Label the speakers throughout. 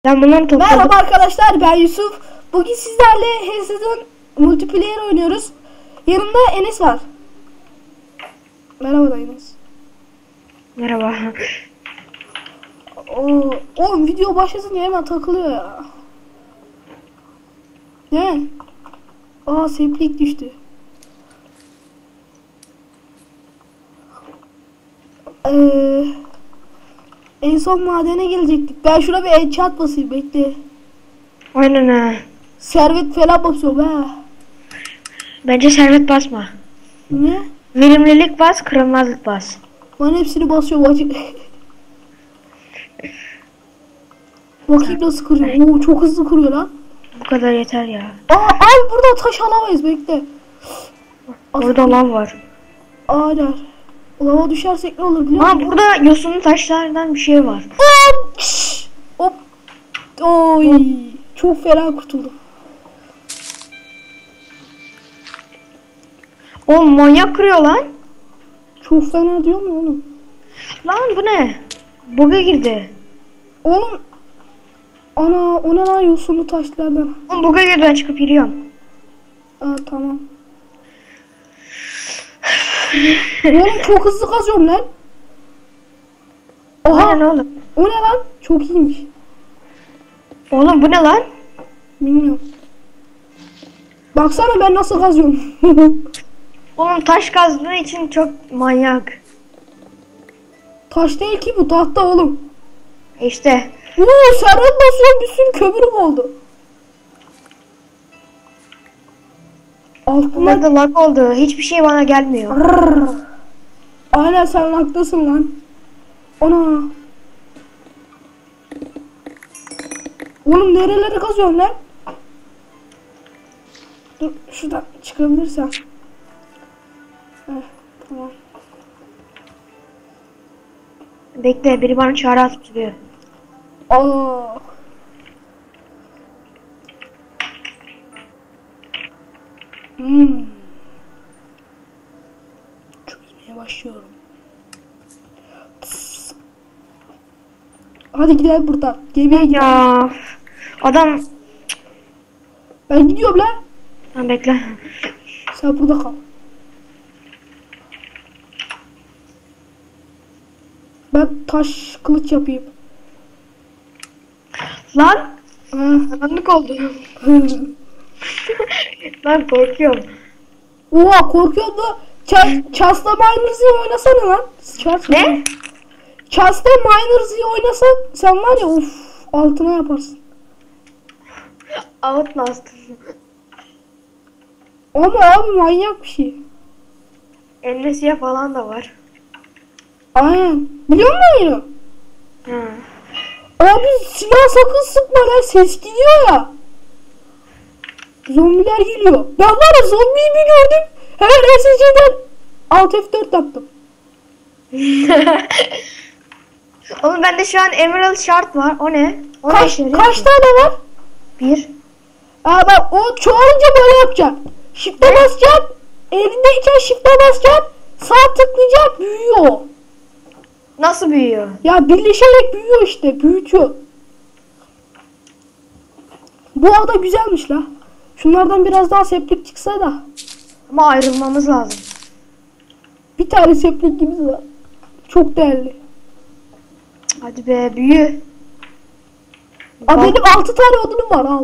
Speaker 1: Ben bunları topladım.
Speaker 2: Merhaba arkadaşlar, ben Yusuf. Bugün sizlerle Hearthstone multiplayer oynuyoruz. Yanımda Enes var. Merhaba da Enes.
Speaker 1: Merhaba.
Speaker 2: Oğlum video başlasınca hemen takılıyor ya. Ne? Seplik düştü. En son madene gelecektik. Ben şuna bir enchant basayım, bekle.
Speaker 1: Aynen ha.
Speaker 2: Servet falan basıyorum ha.
Speaker 1: Bence servet basma.
Speaker 2: Ne?
Speaker 1: Verimlilik bas, kırılmazlık bas.
Speaker 2: Ben hepsini basıyorum acı. Bakayım nasıl kırıyor. Oo, çok hızlı kırıyor lan.
Speaker 1: Bu kadar yeter ya.
Speaker 2: Abi burada taş alamayız, bekle.
Speaker 1: Orada lav var.
Speaker 2: Aynen. Lava düşersek ne olur biliyor musun?
Speaker 1: Burada yosunlu taşlardan bir şey var.
Speaker 2: Hop! Şşş! Hop! Oy! Çok fena kurtuldum.
Speaker 1: Oğlum manyak kırıyor lan.
Speaker 2: Çok fena diyor mu oğlum?
Speaker 1: Lan bu ne? Bug'a girdi.
Speaker 2: Oğlum! Ana, o ne lan yosunlu taşlardan?
Speaker 1: Oğlum bug'a girdi, ben çıkıp giriyorum.
Speaker 2: Tamam. Oğlum çok hızlı kazıyorum lan.
Speaker 1: Aynen oğlum.
Speaker 2: O ne lan? Çok iyiymiş.
Speaker 1: Oğlum bu ne lan?
Speaker 2: Bilmiyorum. Baksana ben nasıl kazıyorum.
Speaker 1: Oğlum taş kazdığı için çok manyak.
Speaker 2: Taş değil ki bu, tahta oğlum.
Speaker 1: İşte.
Speaker 2: Servet basıyorum, bir sürü kömürüm oldu.
Speaker 1: Bunlar da lag oldu. Hiçbir şey bana gelmiyor.
Speaker 2: Aynen, sen haklısın lan. Ana. Oğlum nerelere kazıyorsun lan? Dur şuradan çıkabilirsen. Tamam.
Speaker 1: Bekle, biri bana çağrı atıp duruyor.
Speaker 2: Çözmeye başlıyorum. Hadi gidelim buradan. Gemiye gidelim.
Speaker 1: Ya adam.
Speaker 2: Ben gidiyorum lan.
Speaker 1: Tamam bekle.
Speaker 2: Sen burada kal. Ben taş kılıç yapayım.
Speaker 1: Lan. Karanlık oldu. Ben korkuyorum.
Speaker 2: Oha, korkuyorum da. Chas'la Miners'ı oynasana lan.
Speaker 1: Ne?
Speaker 2: Chas'la Miners'ı oynasan sen var ya, altına yaparsın.
Speaker 1: Outlast.
Speaker 2: Ama abi manyak bir şey.
Speaker 1: Amnesia falan da var.
Speaker 2: Aynen. Biliyor musun onu?
Speaker 1: Ha.
Speaker 2: Abi silah sakın sıkma lan, ses gidiyor ya. Zombiler geliyor. Ben var ya, zombiyi bir gördüm. Hemen SSC'den Alt F4 yaptım.
Speaker 1: Oğlum bende şu an Emerald Shard var. O ne? O
Speaker 2: Kaç
Speaker 1: ne
Speaker 2: tane var?
Speaker 1: Bir.
Speaker 2: Bak, o çoğalınca böyle yapacaksın. Shift'e basacaksın. Elindeyken shift'e basacaksın. Sağ tıklayacaksın, büyüyor.
Speaker 1: Nasıl büyüyor?
Speaker 2: Ya birleşerek büyüyor işte. Büyütüyor. Bu ada güzelmiş la. Şunlardan biraz daha seplik çıksa da.
Speaker 1: Ama ayrılmamız lazım.
Speaker 2: Bir tane seplik gibi var. Çok değerli.
Speaker 1: Hadi be, büyü.
Speaker 2: Benim 6 tane odunum var, al.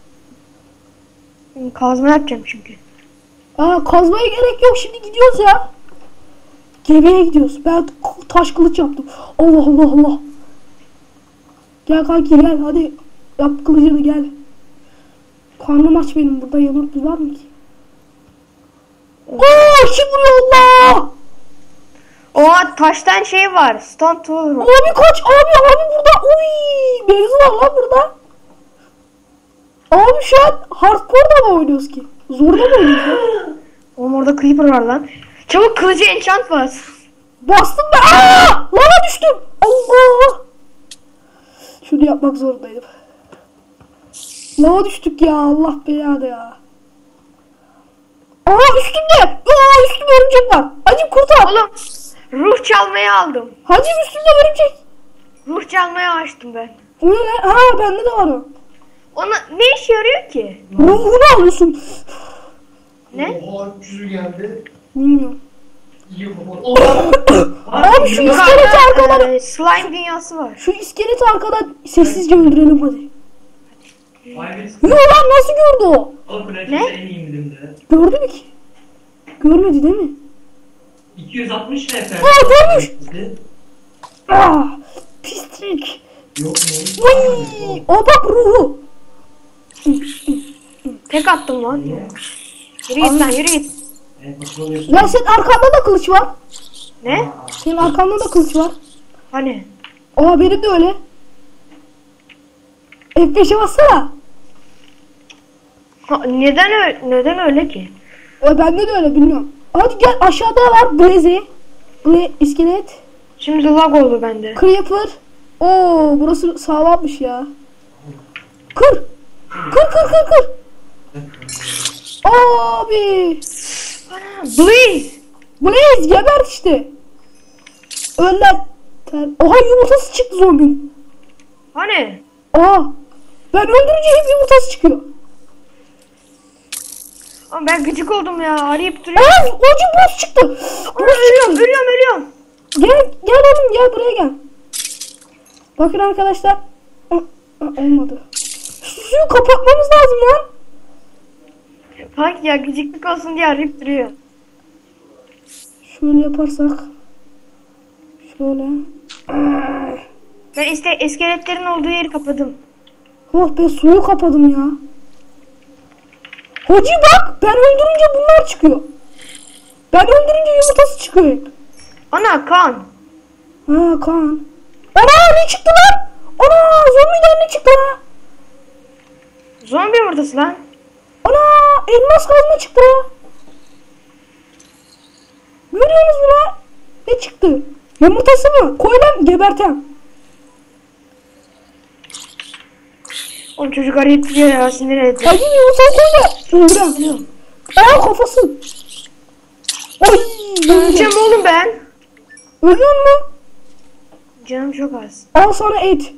Speaker 1: Kazma yapacağım çünkü.
Speaker 2: Kazmaya gerek yok, şimdi gidiyoruz ya. Gemiye gidiyoruz. Ben taş kılıç yaptım. Allah Allah Allah. Gel kanki gel, hadi. Yap kılıcını, gel. Karnım aç benim, burada yemek var mı ki? Kim vuruyor Allah?
Speaker 1: O taştan şey var. Stone tool.
Speaker 2: Abi kaç, abi burada. Uy, mevzu var lan burada. Abi şu an hardcore'da mı oynuyoruz ki? Zorda mı oynuyoruz ya?
Speaker 1: Oğlum orada creeper var lan. Çabuk kılıcı enchant bas.
Speaker 2: Bastım ben. Lava düştüm. Allah. Şunu yapmak zorundaydım. Lava düştük ya, Allah belanı ya. Üstümde. Üstümde örümcek var. Hacım kurtar.
Speaker 1: Oğlum ruh çalmaya aldım.
Speaker 2: Hacım üstümde örümcek.
Speaker 1: Ruh çalmaya açtım ben.
Speaker 2: O ne lan? Ha bende de var o.
Speaker 1: Ona ne işe yarıyor ki?
Speaker 2: Ruhunu alıyorsun.
Speaker 1: Ne?
Speaker 3: Oha 300'ü geldi.
Speaker 2: Bilmiyorum.
Speaker 3: İyi baba.
Speaker 2: Abi şu
Speaker 1: Burada
Speaker 2: iskeleti arkadan.
Speaker 1: slime dünyası var.
Speaker 2: Şu iskeleti arkadan sessizce öldürelim hadi.
Speaker 3: Ay
Speaker 2: Yo lan nasıl gördü o?
Speaker 3: Oğlum
Speaker 1: Ne?
Speaker 3: en iyi milimde.
Speaker 2: Gördü mü ki? Görmedi değil mi?
Speaker 3: 260 FPS.
Speaker 2: Görmüş. Ah, pislik.
Speaker 3: Yok mu?
Speaker 2: Vay! O bak ruhu.
Speaker 1: Tek attım lan. Yürü git lan yürü git.
Speaker 2: Ya senin arkanda da kılıç var.
Speaker 1: Ne?
Speaker 2: Senin arkanda da kılıç var.
Speaker 1: Hani?
Speaker 2: Aa benim de öyle. F5'e bassana.
Speaker 1: Neden öyle ki?
Speaker 2: Bende de öyle bilmiyorum. Hadi gel aşağıda var Blaze. İskelet.
Speaker 1: Şimdi lag oldu bende.
Speaker 2: Creeper. Oo burası sağlammış ya. Kır. Kır. Abi.
Speaker 1: Blaze!
Speaker 2: Blaze gebert işte. Önden. Oha yumurtası çıktı zombinin.
Speaker 1: Hani?
Speaker 2: Aa. Ben öldürünce hep yumurtası çıkıyor.
Speaker 1: Ama ben gıcık oldum ya. Arayıp duruyor.
Speaker 2: Aa acı boss çıktı.
Speaker 1: Ölüyorum.
Speaker 2: Gel oğlum gel buraya gel. Bakın arkadaşlar. Olmadı. Suyu kapatmamız lazım lan.
Speaker 1: Bak ya gıcıklık olsun diye arayıp duruyor.
Speaker 2: Şöyle yaparsak. Şöyle.
Speaker 1: Ben iskeletlerin olduğu yeri kapadım.
Speaker 2: Oh be suyu kapadım ya. Hacı bak ben öldürünce bunlar çıkıyor. Ben öldürünce yumurtası çıkıyor hep.
Speaker 1: Ana kan.
Speaker 2: Ha kan. Ana ne çıktı lan? Ana zombiden ne çıktı lan?
Speaker 1: Zombi yumurtası lan.
Speaker 2: Ana elmas kazma çıktı lan. Görüyorsunuz mu lan? Ne çıktı? Yumurtası mı? Koy lan gebertem.
Speaker 1: Oğlum çocuk arayıp duruyor ya sinir etti.
Speaker 2: Hacı yumurtayı koy da. Öldürem. Aa kafası. Ay.
Speaker 1: Öleceğim oğlum ben.
Speaker 2: Ölüyor mu?
Speaker 1: Canım çok az.
Speaker 2: Al sana et.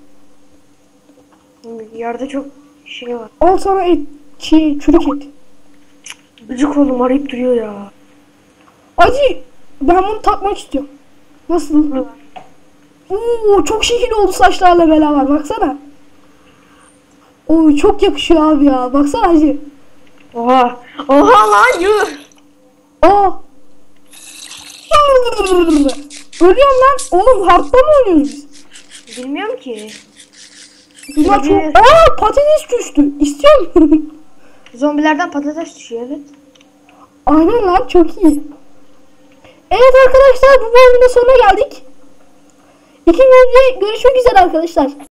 Speaker 1: Yerde çok şey var.
Speaker 2: Al sana et. Çürük et.
Speaker 1: Gıcık oğlum arayıp duruyor ya.
Speaker 2: Hacı ben bunu takmak istiyorum. Nasıl? Oo çok şekil oldu saçlarla beraber baksana. Oo çok yakışıyor abi ya. Baksana hacı.
Speaker 1: Oha. Oha lan yuh.
Speaker 2: Aa. Ölüyorum lan. Oğlum hardta mı oynuyoruz biz?
Speaker 1: Bilmiyorum ki.
Speaker 2: Bunlar çok... Aa patates düştü. İstiyor musun?
Speaker 1: Zombilerden patates düşüyor evet.
Speaker 2: Aynen lan çok iyi. Evet arkadaşlar bu bölümün de sonuna geldik. İkinci görüşmek üzere arkadaşlar.